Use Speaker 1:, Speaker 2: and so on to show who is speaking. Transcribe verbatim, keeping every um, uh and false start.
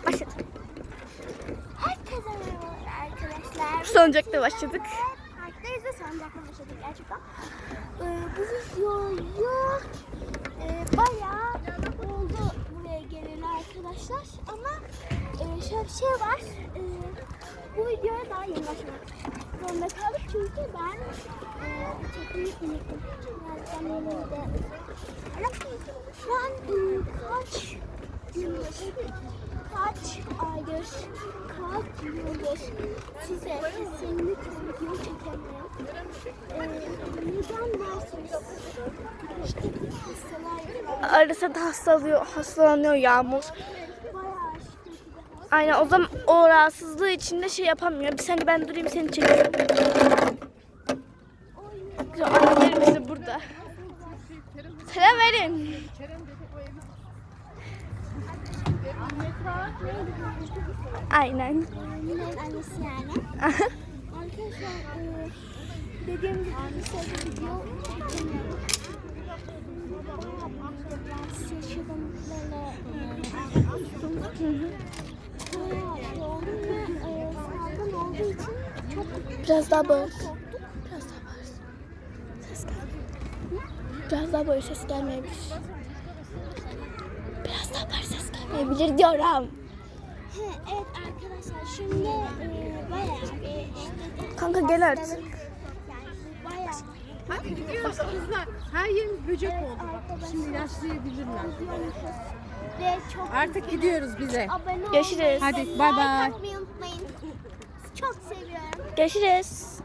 Speaker 1: Başladı.
Speaker 2: Herkese merhabalar arkadaşlar.
Speaker 1: Salıncakta başladık.
Speaker 2: Parktayız ve salıncakta başladık gerçekten. Ee, bu videoyu e, bayağı oldu buraya geleli arkadaşlar. Ama e, şöyle bir şey var. E, bu videoya daha yeni başlamak zorunda kaldık. Çünkü ben e, çekmeyi unuttum. Yani ben yanımda. Şu an e, kaç yıldır, kaç aydır, kaç yıldır size kesinlikle video çekemiyorum. Ee, neden dersiniz? İşte hastalar
Speaker 1: Arasa da hastalıyor, hastalanıyor Yağmur.
Speaker 2: bayağı şiddetli bir hasta.
Speaker 1: Aynen, o zaman o rahatsızlığı içinde şey yapamıyor. Bir saniye ben durayım, seni çekeyim. Annelerimiz de burada. Selam verin. Aynen.
Speaker 2: Mine'nin annesi yani. Arkadaşlar e, dediğim gibi bir sürü video çekemiyorum. Bayağı rahatsız yaşadım böyle kustum. Bayağı şey oldum ve e, salgın olduğu için çok
Speaker 1: Biraz daha bağır.
Speaker 2: korktuk.
Speaker 1: Biraz daha bağır. Ses gelmiyor. Biraz daha bağır, ses gelmeyebilir. Biraz daha bağır, ses gelmeyebilir diyorum.
Speaker 2: He, evet arkadaşlar şimdi e, bayağı bir işte
Speaker 1: Kanka gel artık.
Speaker 2: yani bu bayağı
Speaker 3: Hadi gidiyoruz kızlar. Her yerimiz böcek oldu. Bak, şimdi yaşlayabilirler.
Speaker 2: ve çok
Speaker 3: Artık gidiyoruz bize.
Speaker 2: abone olmayı,
Speaker 1: Görüşürüz.
Speaker 3: Hadi,
Speaker 2: like
Speaker 3: bay bay.
Speaker 2: atmayı unutmayın. Çok seviyorum.
Speaker 1: Görüşürüz.